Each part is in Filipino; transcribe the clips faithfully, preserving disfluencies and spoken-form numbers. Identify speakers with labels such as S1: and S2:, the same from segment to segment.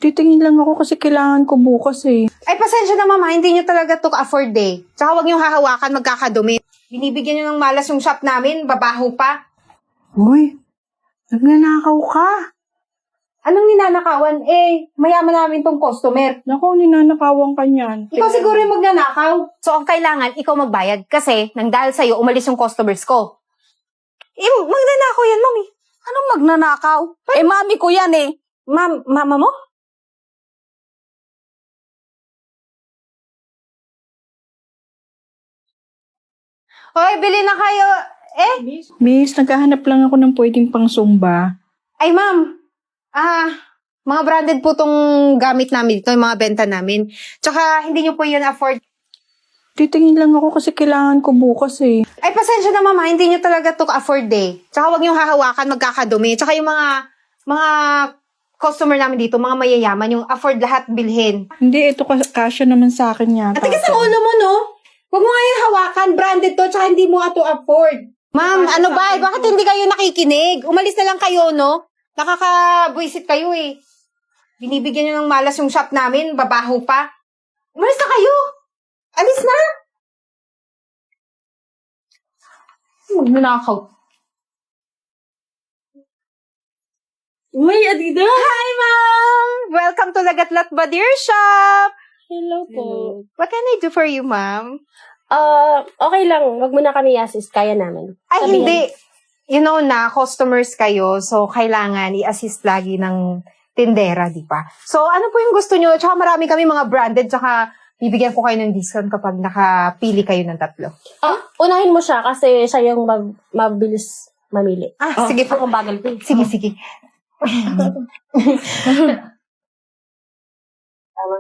S1: Titingin lang ako kasi kailangan ko bukas eh.
S2: Ay, pasensya na mama, hindi nyo talaga to afford eh. Tsaka huwag nyo hahawakan, magkakadumi. Binibigyan nyo ng malas yung shop namin, babaho pa.
S1: Uy, nagnanakaw ka.
S2: Anong ninanakawan? Eh, mayaman namin tong customer.
S1: Naku, ninanakawan ka niyan.
S2: Ikaw siguro yung magnanakaw. So, ang kailangan, ikaw magbayad. Kasi, nang dahil sa'yo, umalis yung customers ko. Eh, magnanakaw yan, mami.
S3: Anong magnanakaw? Eh, mami ko yan eh.
S2: Ma'am, mama mo? Hoy, bili na kayo. Eh?
S1: Miss, naghahanap lang ako ng pwedeng pang Zumba.
S2: Ay, ma'am. Ah, mga branded po tong gamit namin dito, yung mga benta namin. Tsaka, hindi nyo po yun afford.
S1: Titingin lang ako kasi kailangan ko bukas eh.
S2: Ay, pasensya na mama, hindi nyo talaga to afford eh. Tsaka huwag nyo hahawakan, magkakadumi. Tsaka yung mga, mga customer namin dito, mga mayayaman, yung afford lahat bilhin.
S1: Hindi, ito kas- kasya naman sa akin yata.
S2: At tigas ang ulo mo, no? Huwag mo nga yung hawakan, branded to, tsaka hindi mo nga to afford. Ma'am, ano ba? Bakit hindi kayo nakikinig? Umalis na lang kayo, no? Nakaka-buisit kayo eh. Binibigyan nyo ng malas yung shop namin, babaho pa. Umalis na kayo! Alis na! Magnanakaw.
S3: Uy, Adida!
S2: Hi, ma'am! Welcome to Lagatlat Badir Shop!
S3: Hello po.
S2: What can I do for you, ma'am?
S3: Ah, okay lang. Wag mo na kami i-assist. Kaya namin.
S2: Ay,
S3: Sabihin.
S2: hindi. You know na, customers kayo, so kailangan i-assist lagi ng tindera, di ba? So, ano po yung gusto nyo? Tsaka marami kami mga branded, tsaka bibigyan ko kayo ng discount kapag nakapili kayo ng tatlo.
S3: Ah, unahin mo siya kasi siya yung mab- mabilis mamili.
S2: Ah, sige po.
S3: Ako bagal po.
S2: Sige, sige.
S3: Tama.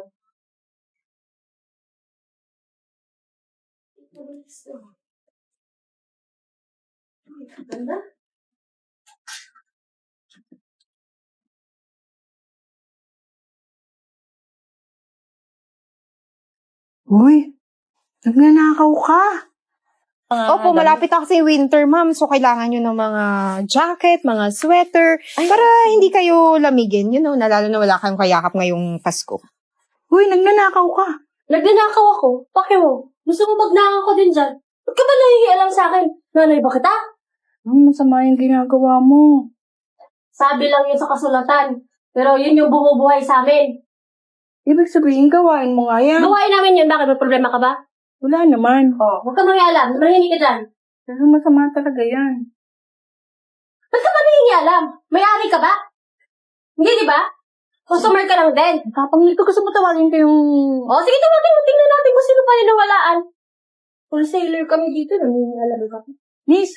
S3: Ganda.
S1: Uy, nagnanakaw ka.
S2: Opo, malapit na kasi winter, ma'am. So, kailangan nyo ng mga jacket, mga sweater, para hindi kayo lamigin. You know, na lalo na wala kayong kayakap ngayong Pasko.
S1: Uy, nagnanakaw ka.
S3: Nagnanakaw ako. Bakit mo? Gusto mo magnakaw ko din dyan? Ba't ka ba nahihialam sa akin? Nanay ba kita?
S1: Hmm, masama yung ginagawa mo.
S3: Sabi lang yun sa kasulatan. Pero yun yung bumubuhay sa amin.
S1: Ibig sabihin, gawain mo nga yan.
S3: Gawain namin yun. Bakit? May problema ka ba?
S1: Wala naman.
S3: Oh, huwag ka mangialam. Mahihingi ka dyan.
S1: Pero masama talaga yan.
S3: Ba't ka ba nangingialam? May-ari ka ba? Hindi, di ba? Customer ka lang din.
S1: Tapang nito gusto mo tawagin ko yung...
S3: O, sige, tawagin mo. Tingnan natin kung sino pa ninawalaan. Wholesaler kami dito. Nangingialam ka.
S1: Miss!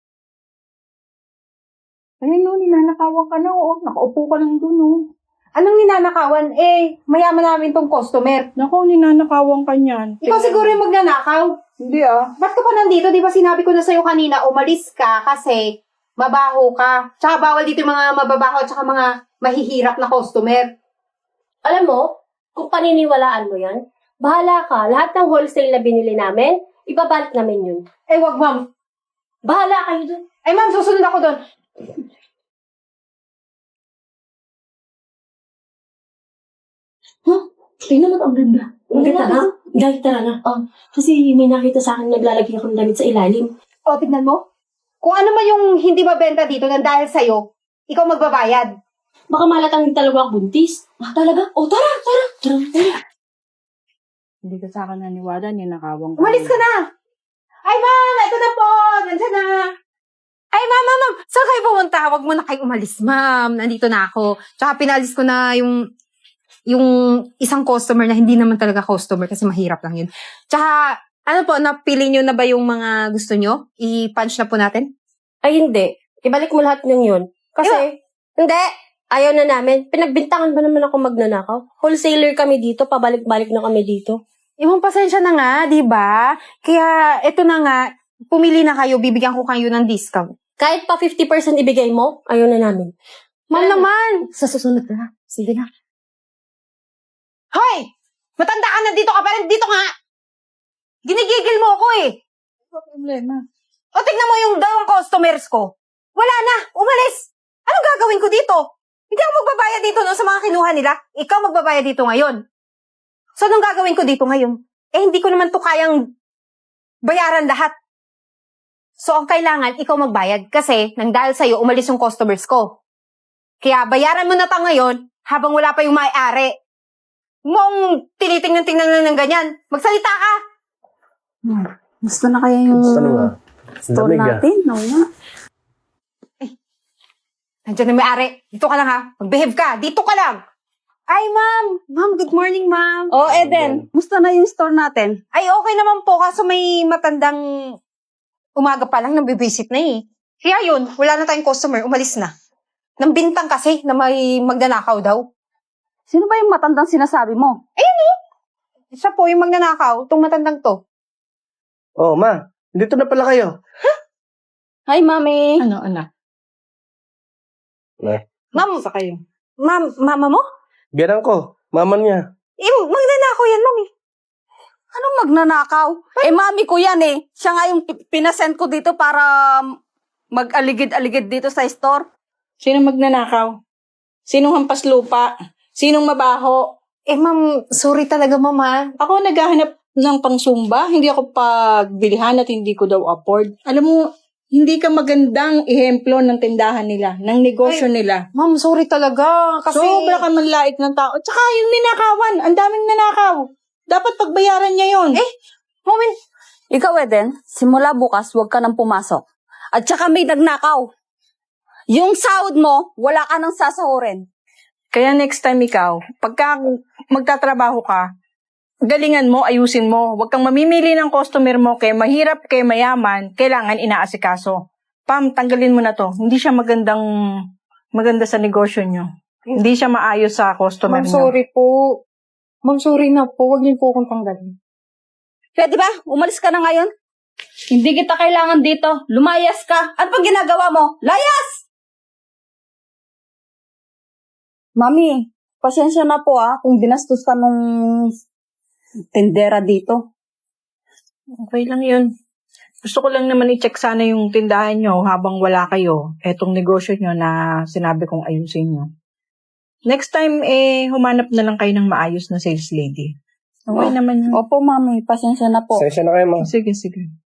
S1: Ayun no, ninanakawan ka na. Oo, nakaupo ka lang dun, oh.
S2: Anong ninanakawan? Eh, mayaman namin tong customer.
S1: Naku, ninanakawan ka niyan.
S2: Ikaw siguro yung magnanakaw.
S1: Hindi ah.
S2: Ba't ka pa nandito? Di ba sinabi ko na sa'yo kanina, umalis ka kasi mabaho ka. Tsaka bawal dito yung mga mababaho at tsaka mga mahihirap na customer.
S3: Alam mo, kung paniniwalaan mo yan, bahala ka. Lahat ng wholesale na binili namin, ibabalik namin yun.
S2: Eh, wag ma'am.
S3: Bahala kayo dun.
S2: Ay ma'am, susunod ako doon.
S3: Huh? Tingnan mo, ang ganda. Ang ganda na. Dahil tara na. Oh, kasi may nakita sa akin naglalagay akong damit sa ilalim.
S2: O, tignan mo. Kung ano man yung hindi mabenta dito nang dahil sa'yo, ikaw magbabayad.
S3: Baka malatang talaga ang buntis. Ah, talaga? Oh, tara, tara. Tara, tara.
S1: Hindi ka sa akin naniwala, ninakawan ka.
S2: Umalis ka na! Ay ma'am, ito na po! Nandiyan na! Ay ma'am, ma'am, ma'am! Saan kayo pumunta? Huwag mo na kayong umalis, ma'am. Nandito na ako. Tsaka pinalis ko na yung yung isang customer na hindi naman talaga customer kasi mahirap lang yun. Tsaka, ano po, napili nyo na ba yung mga gusto nyo? I-punch na po natin?
S3: Ay, hindi. Ibalik mo lahat ng yun. Kasi, hindi. Ayaw na namin. Pinagbintangan ba naman ako magnanakaw? Wholesaler kami dito. Pabalik-balik na kami dito.
S2: Ibang pasensya na nga, di ba? Kaya, eto na nga, pumili na kayo, bibigyan ko kayo ng discount.
S3: Kahit pa fifty percent ibigay mo, ayaw na namin.
S2: Ma'am
S3: Ano?
S2: naman! Sa susunod na. Sige na. Hoy! Matanda ka na dito ka pa rin. Dito nga! Ginigigil mo ako eh.
S1: Ano problema?
S2: O tignan mo yung dalawang customers ko. Wala na! Umalis! Anong gagawin ko dito? Hindi ako magbabayad dito no, sa mga kinuha nila. Ikaw magbabayad dito ngayon. So, anong gagawin ko dito ngayon? Eh, hindi ko naman to kayang bayaran lahat. So, ang kailangan, ikaw magbayad. Kasi, nang dahil sa'yo, umalis yung customers ko. Kaya, bayaran mo na ta ngayon, habang wala pa yung may-ari. Mong tinitingnan-tingnan lang ng ganyan. Magsalita ka!
S1: Hmm. Gusto na kaya yung
S4: Gusto na nga.
S1: store
S4: Lamig, ah.
S1: natin? No, nga.
S2: Nandiyan na may-ari. Dito ka lang ha. Mag-behave ka. Dito ka lang. Ay, ma'am. Ma'am, good morning, ma'am.
S1: Oh, Eden, musta na yung store natin?
S2: Ay, okay naman po. Kaso may matandang umaga pa lang nabibisit na eh. Kaya yun, wala na tayong customer. Umalis na. Nang bintang kasi na may magnanakaw daw.
S1: Sino ba yung matandang sinasabi mo?
S2: Isa po yung magnanakaw. Itong matandang to.
S4: Oh, ma. Dito na pala kayo.
S1: Hi, Mami.
S2: Ano, anak?
S4: Eh,
S2: Ma'am,
S1: Sa kayo.
S2: ma'am, mama mo?
S4: biyanan ko. Mama niya.
S2: Eh, magnanakaw yan, ma'am eh.
S1: Anong magnanakaw? Eh, Mami ko yan eh. Siya nga yung pi- pinasend ko dito para mag-aligid-aligid dito sa store.
S5: Sinong magnanakaw? Sinong hampas lupa? Sinong mabaho?
S2: Eh, ma'am, sorry talaga, mama.
S5: Ako naghahanap ng pangsumba. Hindi ako pagbilihan at hindi ko daw afford. Alam mo, hindi ka magandang ehemplo ng tindahan nila, ng negosyo nila.
S2: Ma'am, sorry talaga. Kasi...
S5: Sobra ka manlait ng tao. Tsaka yung ninakawan, ang daming nanakaw. Dapat pagbayaran niya yon.
S2: Eh, moment.
S1: Ikaw, Eden, simula bukas, huwag ka nang pumasok. At saka may nagnakaw. Yung sahod mo, wala ka nang sasahurin.
S5: Kaya next time ikaw, pagka magtatrabaho ka, galingan mo, ayusin mo. Huwag kang mamimili ng customer mo kay mahirap, kay mayaman, kailangan inaasikaso. Pam, tanggalin mo na to. Hindi siya magandang, maganda sa negosyo nyo. Hindi siya maayos sa customer
S2: Ma'am,
S5: nyo.
S2: sorry po. Ma'am, sorry na po. Huwag niyo po akong tanggalin.
S1: Pwede ba? Umalis ka na ngayon? Hindi kita kailangan dito. Lumayas ka. Ano pang ginagawa mo? Layas! Mami, pasensya na po ah kung dinastos ka nung tendera dito.
S5: Okay lang yun. Gusto ko lang naman i-check sana yung tindahan nyo habang wala kayo. Etong negosyo nyo na sinabi kong ayusin nyo. Next time, eh, humanap na lang kayo ng maayos na sales lady. Okay
S1: Oo.
S5: naman yun.
S1: Opo, Mami. Pasensya na po.
S4: Sensya na kayo, ma.
S5: Sige, sige.